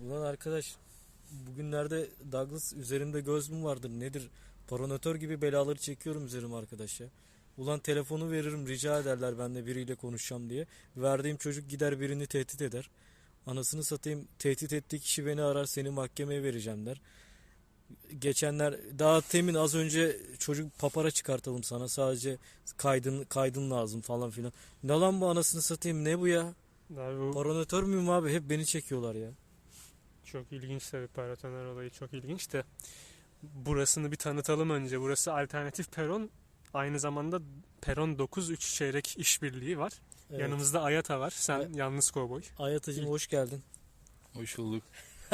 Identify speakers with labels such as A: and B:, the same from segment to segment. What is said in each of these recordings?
A: Ulan arkadaş, bugünlerde Douglas üzerimde göz mü vardır nedir? Paranotör gibi belaları çekiyorum üzerime arkadaş ya. Ulan telefonu veririm, rica ederler ben de biriyle konuşacağım diye. Verdiğim çocuk gider birini tehdit eder. Anasını satayım, tehdit ettiği kişi beni arar, seni mahkemeye vereceğim der. Geçenler daha temin az önce çocuk papara çıkartalım sana, sadece kaydın lazım falan filan. Ne lan bu, anasını satayım, ne bu ya?
B: Abi bu
A: Paranotör müyüm abi, hep beni çekiyorlar ya.
B: çok ilginç tabii, paratoner olayı çok ilginç de burasını bir tanıtalım önce. Burası alternatif peron. Aynı zamanda peron 9-3 çeyrek işbirliği var.
A: Evet.
B: Yanımızda Ayata var. Sen
A: Ay-
B: yalnız kovboy.
A: Ayatacığım hoş geldin.
C: Hoş bulduk.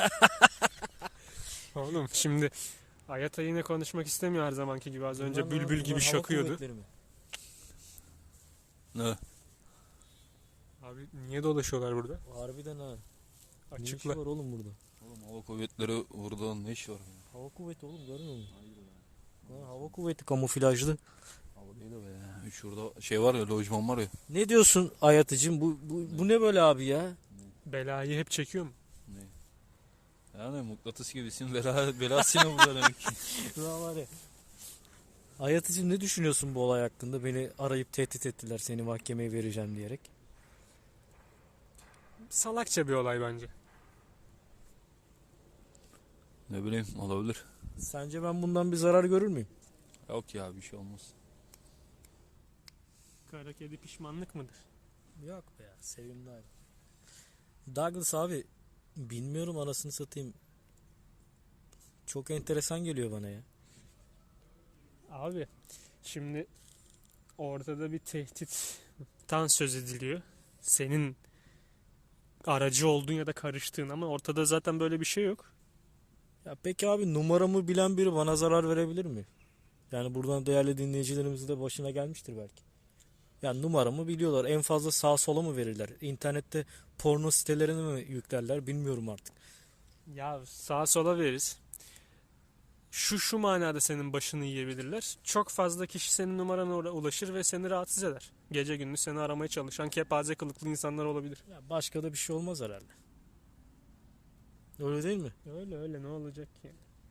B: Oğlum şimdi Ayata yine konuşmak istemiyor her zamanki gibi. Az önce bülbül gibi
A: Hava
B: şakıyordu.
A: kuvvetleri mi?
C: Ne?
B: Abi niye dolaşıyorlar burada?
A: Harbiden ha. Ne işi
B: Açıkla.
A: var oğlum burada?
C: Oğlum hava kuvvetleri burada ne iş var?
A: Hava kuvveti oğlum, görmüyor musun? Ha, hava kuvveti kamuflajlı.
C: Hava değil o be. Şurada şey var ya, lojman var ya.
A: Ne diyorsun Ayatıcığım? Bu ne böyle abi ya?
B: Belayı hep çekiyor mu?
C: Ne? Yani mıknatıs gibisin, belasını burada demek ki.
A: Şuna var ya. Ayatıcığım, ne düşünüyorsun bu olay hakkında? Beni arayıp tehdit ettiler, seni mahkemeye vereceğim diyerek.
B: Salakça bir olay bence.
C: Ne bileyim, olabilir.
A: Sence ben bundan bir zarar görür müyüm?
C: Yok ya, bir şey olmaz.
B: Kara kedi pişmanlık mıdır?
A: Yok be ya, sevimli abi. Douglas abi, bilmiyorum, anasını satayım. Çok enteresan geliyor bana ya.
B: Abi şimdi ortada bir tehditten söz ediliyor. Senin aracı olduğun ya da karıştığın, ama ortada zaten böyle bir şey yok.
A: Ya peki abi, numaramı bilen biri bana zarar verebilir mi? Yani buradan değerli dinleyicilerimizin de başına gelmiştir belki. Yani numaramı biliyorlar. En fazla sağa sola mı verirler? İnternette porno sitelerine mi yüklerler, bilmiyorum artık.
B: Ya sağa sola veririz. Şu manada senin başını yiyebilirler. Çok fazla kişi senin numarana ulaşır ve seni rahatsız eder. Gece gündüz seni aramaya çalışan kepaze kılıklı insanlar olabilir.
A: Ya başka da bir şey olmaz herhalde. Öyle değil mi?
B: Öyle öyle, ne olacak ki?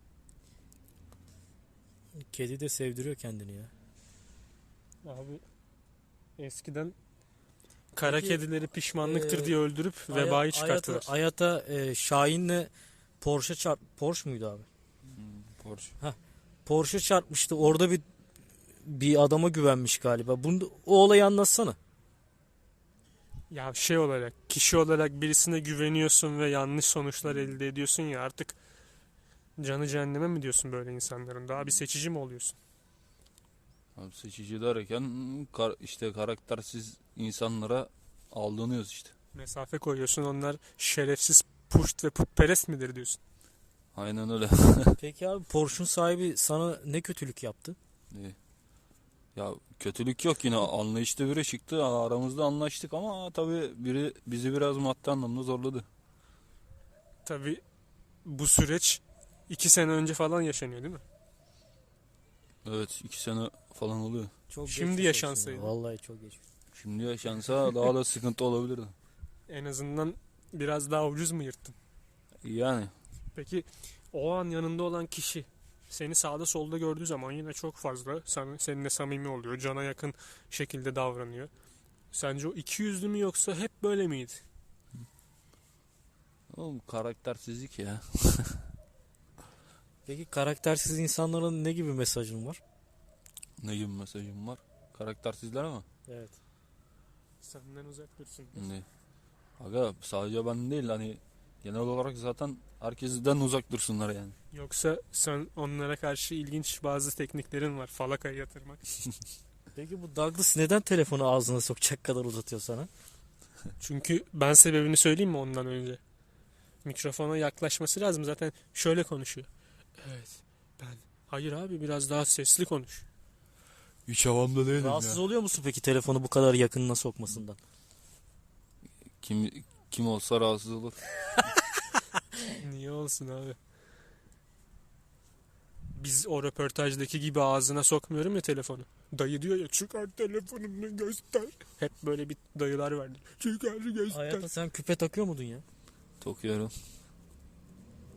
A: Kedi de sevdiriyor kendini ya.
B: Abi eskiden kara
A: Peki,
B: kedileri pişmanlıktır diye öldürüp
A: Aya-
B: vebayı çıkarttılar.
A: Ayata Şahin'le Porsche muydu abi?
C: Porsche.
A: Porsche çarpmıştı. Orada bir adama güvenmiş galiba. O olayı anlatsana.
B: Ya şey olarak, kişi olarak birisine güveniyorsun ve yanlış sonuçlar elde ediyorsun ya, artık canı cehenneme mi diyorsun böyle insanların? Daha bir seçici mi oluyorsun?
C: Abi seçici derken işte karaktersiz insanlara aldanıyoruz işte.
B: Mesafe koyuyorsun, onlar şerefsiz, puşt ve putperest midir diyorsun?
C: Aynen öyle.
A: Peki abi, Porsche'un sahibi sana ne kötülük yaptı?
C: İyi. Ya kötülük yok, yine anlayışlı biri çıktı. Aramızda anlaştık ama tabii biri bizi biraz maddi anlamda zorladı.
B: Tabii bu süreç 2 sene önce falan yaşanıyor değil mi?
C: Evet, 2 sene falan oluyor.
A: Çok
B: Şimdi
A: geçmiş olsun
B: yaşansaydı.
A: ya. Vallahi çok geçmiş.
C: Şimdi yaşansa daha da sıkıntı olabilirdi.
B: En azından biraz daha ucuz mu yırttın?
C: Yani
B: Peki o an yanında olan kişi seni sağda solda gördüğü zaman yine çok fazla seninle samimi oluyor. Cana yakın şekilde davranıyor. Sence o iki yüzlü mü, yoksa hep böyle miydi?
C: oğlum, karaktersizlik ya.
A: Peki karaktersiz insanlara ne gibi mesajın var?
C: Ne gibi mesajım var? Karaktersizler mi?
A: Evet.
B: Senden uzak dursun.
C: Ne? Aga, sadece ben değil, hani genel olarak zaten herkesten uzak dursunlar yani.
B: Yoksa sen onlara karşı ilginç bazı tekniklerin var. Falakaya yatırmak.
A: Peki bu Douglas neden telefonu ağzına sokacak kadar uzatıyor sana?
B: Çünkü ben sebebini söyleyeyim mi ondan önce? Mikrofona yaklaşması lazım. Zaten şöyle konuşuyor. Evet, ben. Hayır abi, biraz daha sesli konuş.
C: Hiç havamda değilim
A: Rahatsız oluyor musun peki telefonu bu kadar yakınına sokmasından?
C: Kim olsa rahatsız olur.
B: Niye olsun abi? Biz o röportajdaki gibi ağzına sokmuyorum ya telefonu. Dayı diyor ya, çıkar telefonunu göster. Hep böyle bir dayılar vardır. Çıkar göster.
A: Hayata sen küpe takıyor muydun ya?
C: Takıyorum.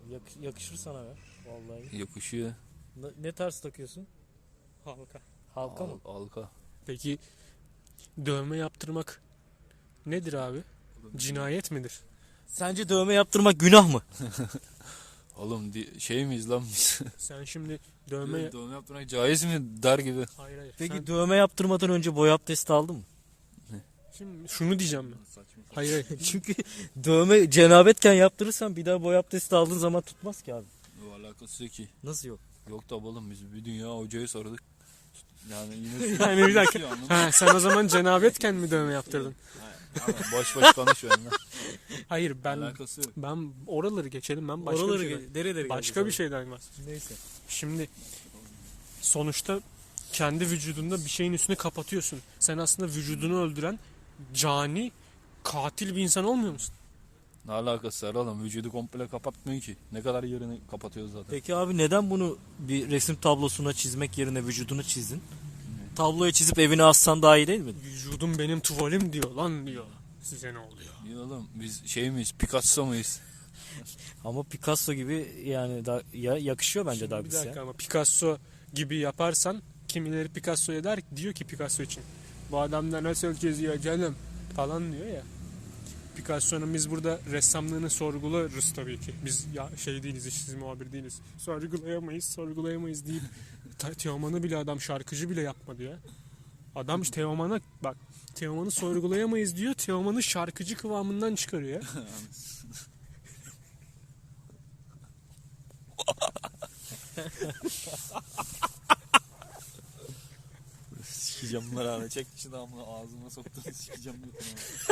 A: Yakışır sana be. Vallahi.
C: Yakışıyor.
A: Ne tarz takıyorsun?
B: Halka.
A: Halka mı?
C: Halka.
B: Peki dövme yaptırmak nedir abi? Cinayet midir?
A: Sence dövme yaptırmak günah mı?
C: Oğlum şey miyiz lan biz?
B: Sen şimdi dövme...
C: Dövme yaptırmak caiz mi der gibi.
B: Hayır hayır.
A: Peki
B: Sen...
A: dövme yaptırmadan önce boy abdesti aldın mı?
B: Şimdi şunu diyeceğim ben. Hayır hayır.
A: Çünkü dövme cenabetken yaptırırsan bir daha boy abdesti aldığın zaman tutmaz ki abi.
C: Yok alakası yok ki.
A: Nasıl yok?
C: Yok da oğlum biz bir dünya hocayı sorduk. Yani yine
B: Yani bir dakika. Ha, sen o zaman cenabetken mi dövme yaptırdın?
C: boş boş konuşuyor lan.
B: Hayır ben
C: Alakası yok.
B: oraları geçelim, ben başka
A: Oraları
B: bir şeyden.
A: dere
B: Başka bir şeyden var.
A: Neyse.
B: Şimdi sonuçta kendi vücudunda bir şeyin üstünü kapatıyorsun. Sen aslında vücudunu öldüren cani, katil bir insan olmuyor musun?
C: Ne alakası var oğlum? Vücudu komple kapatmıyor ki. Ne kadar yerini kapatıyoruz zaten.
A: Peki abi neden bunu bir resim tablosuna çizmek yerine vücudunu çizdin? Tabloya çizip evine assan daha iyi değil mi?
B: Vücudum benim tuvalim diyor lan diyor. Size ne oluyor?
C: İyi oğlum biz şey miyiz? Picasso muyuz?
A: Ama Picasso gibi yani yakışıyor bence
B: Şimdi bir
A: Douglas
B: dakika
A: ya.
B: ama Picasso gibi yaparsan kimileri Picasso'ya diyor ki Picasso için. Bu adam da nasıl çiziyor canım falan diyor ya. Picasso'nun biz burada ressamlığını sorgularız tabii ki. Biz ya şey değiliz, işsiz muhabir değiliz. Sorgulayamayız deyip Teoman'ı bile adam şarkıcı bile yapmadı ya. Adam Teoman'a bak, Teoman'ı sorgulayamayız diyor. Teoman'ı şarkıcı kıvamından çıkarıyor ya.
C: Sikeceğim bunları abi. Çek şu damla ağzıma soktun. Sikeceğim bunu.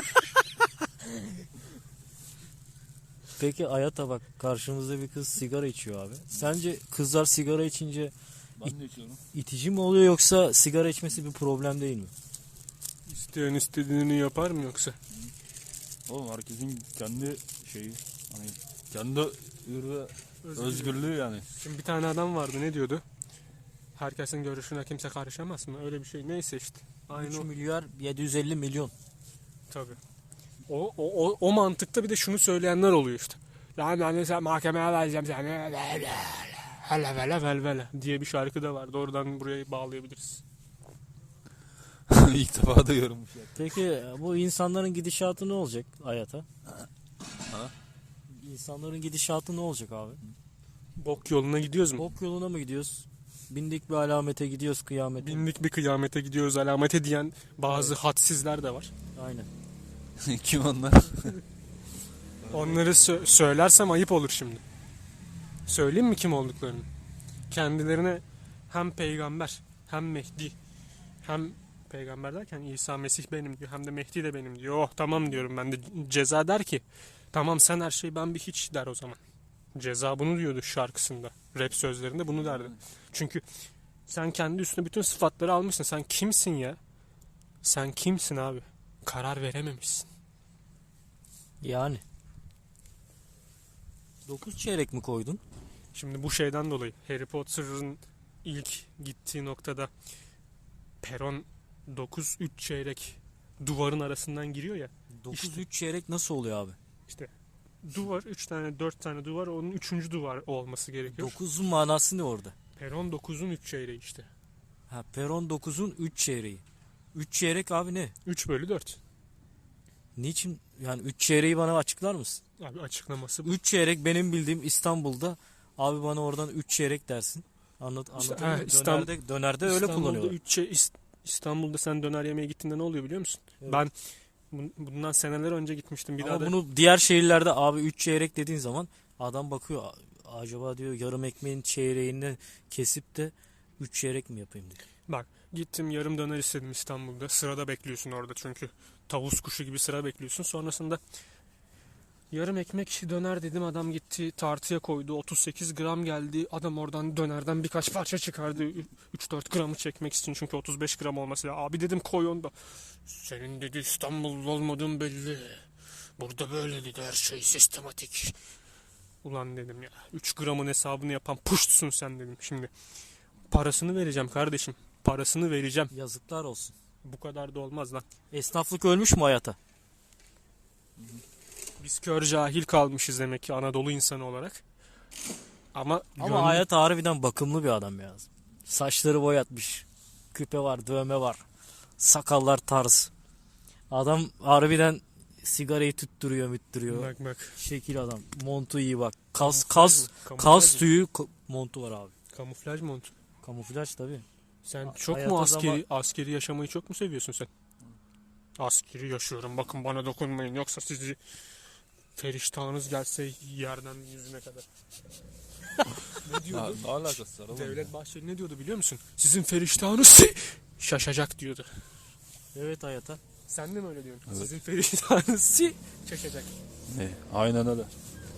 A: Peki Ayata bak, karşımızda bir kız sigara içiyor abi. Sence kızlar sigara içince
C: Ben de içiyorum.
A: itici mi oluyor yoksa sigara içmesi bir problem değil mi?
B: İsteyen istediğini yapar mı yoksa?
C: Oğlum herkesin kendi şeyi. Hani kendi ürü özgürlüğü yani.
B: Şimdi bir tane adam vardı, ne diyordu? Herkesin görüşüne kimse karışamaz mı? Öyle bir şey. Neyse işte.
A: 3
B: Aynı o.
A: milyar 750 milyon.
B: Tabii. O mantıkta bir de şunu söyleyenler oluyor işte. Yani ben sen mahkemeye vereceğim seni. Hele vele vel vele diye bir şarkı da var. Doğrudan buraya bağlayabiliriz.
C: İlk defa duyuyorum bu şey.
A: Peki bu insanların gidişatı ne olacak Ayata?
C: Ha?
A: İnsanların gidişatı ne olacak abi?
B: Bok yoluna gidiyoruz mu?
A: Ok yoluna mı gidiyoruz? Bindik bir alamete gidiyoruz kıyamete.
B: Bindik bir kıyamete gidiyoruz alamete diyen bazı hadsizler de var.
A: Aynen.
C: Kim onlar?
B: Onları söylersem ayıp olur şimdi. Söyleyeyim mi kim olduklarını? Kendilerine hem peygamber hem Mehdi hem peygamber derken İsa Mesih benim diyor, hem de Mehdi de benim diyor. Oh tamam diyorum ben de. Ceza der ki tamam sen her şey ben bir hiç der o zaman. Ceza bunu diyordu şarkısında. Rap sözlerinde bunu derdi. Çünkü sen kendi üstüne bütün sıfatları almışsın. Sen kimsin ya? Sen kimsin abi? Karar verememişsin.
A: Yani. 9 çeyrek mi koydun?
B: Şimdi bu şeyden dolayı Harry Potter'ın ilk gittiği noktada peron 9-3 çeyrek duvarın arasından giriyor ya.
A: 9
B: İşte.
A: 3 çeyrek nasıl oluyor abi?
B: İşte duvar 3 tane 4 tane duvar, onun 3. duvar olması gerekiyor.
A: 9'un manası ne orada?
B: Peron 9'un 3 çeyreği işte.
A: Ha, peron 9'un 3 çeyreği. 3 çeyrek abi ne?
B: 3/4.
A: Niçin? Yani 3 çeyreği bana açıklar mısın?
B: Abi açıklaması bu.
A: 3 çeyrek benim bildiğim İstanbul'da, abi bana oradan 3 çeyrek dersin.
B: İşte,
A: Anladın mı? Dönerde öyle kullanıyorlar.
B: İstanbul'da sen döner yemeye gittiğinde ne oluyor biliyor musun?
A: Evet.
B: Ben bundan seneler önce gitmiştim. Bir
A: Ama
B: daha da
A: bunu diğer şehirlerde abi 3 çeyrek dediğin zaman adam bakıyor, acaba diyor yarım ekmeğin çeyreğini kesip de 3 çeyrek mi yapayım diyor.
B: bak, gittim yarım döner istedim İstanbul'da. Sırada bekliyorsun orada çünkü. Tavus kuşu gibi sıra bekliyorsun. Sonrasında yarım ekmek döner dedim, adam gitti tartıya koydu, 38 gram geldi, adam oradan dönerden birkaç parça çıkardı 3-4 gramı çekmek için, çünkü 35 gram olması lazım. Abi dedim koy onu da. Senin dedi İstanbullu olmadığın belli, burada böyle dedi, her şey sistematik. Ulan dedim ya, 3 gramın hesabını yapan puştsun sen dedim. Şimdi parasını vereceğim kardeşim, parasını vereceğim,
A: Yazıklar olsun.
B: bu kadar da olmaz lan.
A: Esnaflık ölmüş mü hayata?
B: Biz kör cahil kalmışız demek ki Anadolu insanı olarak. Ama
A: Ama Hayat harbiden bakımlı bir adam ya. Saçları boyatmış. Küpe var, dövme var. Sakallar tarz. Adam harbiden sigarayı tüttürüyor, müttürüyor.
B: bak bak.
A: Şekil adam. Montu iyi bak.
B: Kamuflaj
A: Kas
B: mı?
A: tüyü montu var abi.
B: Kamuflaj mont.
A: Kamuflaj tabii.
B: Sen çok
A: hayata
B: mu askeri yaşamayı çok mu seviyorsun sen? Askeri yaşıyorum. Bakın bana dokunmayın. Yoksa sizi feriştahınız gelse yerden yüzüne kadar. Ne
C: Ya,
B: diyordu?
C: ne alakası var oğlum?
B: Devlet Bahçeli ne diyordu biliyor musun? Sizin feriştahınız şaşacak diyordu.
A: Evet Hayata.
B: Sen de mi öyle diyorsun?
C: Evet.
B: Sizin feriştahınız şaşacak.
C: Ne? Aynen öyle.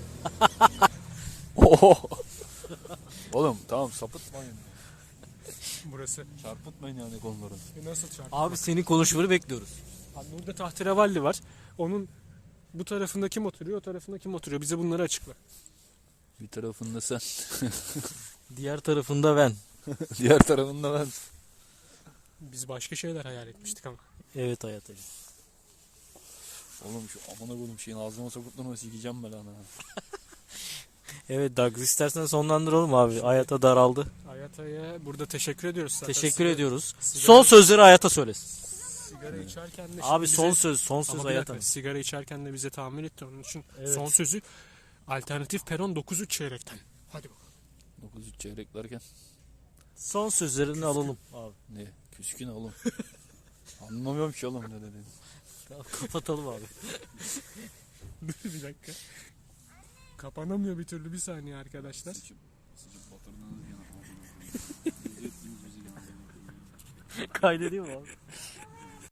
C: Oho. Oğlum tamam sapıtmayın.
B: Burası.
C: Çarpıtmayın yani konuları.
B: Nasıl çarptı?
A: Abi senin konuşmanı bekliyoruz.
B: Abi burada tahterevalli var. Onun bu tarafında kim oturuyor, o tarafında kim oturuyor? Bize bunları açıkla.
C: Bir tarafında sen.
A: Diğer tarafında ben.
C: Diğer tarafında ben.
B: Biz başka şeyler hayal etmiştik ama.
A: Evet Hayatacığım.
C: Oğlum şu amına koydum şeyin ağzıma sokup durma sikeceğim ben ana.
A: Evet Douglas istersen sonlandıralım abi. Hayata daraldı.
B: Hayata'ya burada teşekkür ediyoruz. Zaten
A: Teşekkür ediyoruz.
B: sigara-
A: Son sözleri Hayata söylesin.
B: Sigara içerken de
A: Abi
B: şimdi
A: son
B: bize-
A: söz, son
B: Ama
A: söz
B: bir
A: Hayata.
B: dakika, sigara içerken de bize tahammül etti. Onun için
A: Evet.
B: son sözü alternatif peron 9-3 çeyrekten. Hadi bakalım.
C: 9-3 çeyreklerken.
A: Son sözlerini alalım abi.
C: Ne? Küskün oğlum. Anlamıyorum ki oğlum ne dediğini.
A: Tamam, kapatalım abi.
B: Bir dakika. Kapanamıyor bir türlü, bir saniye arkadaşlar.
C: Sıçıp batırdınız yine.
A: Kaydedeyim mi abi?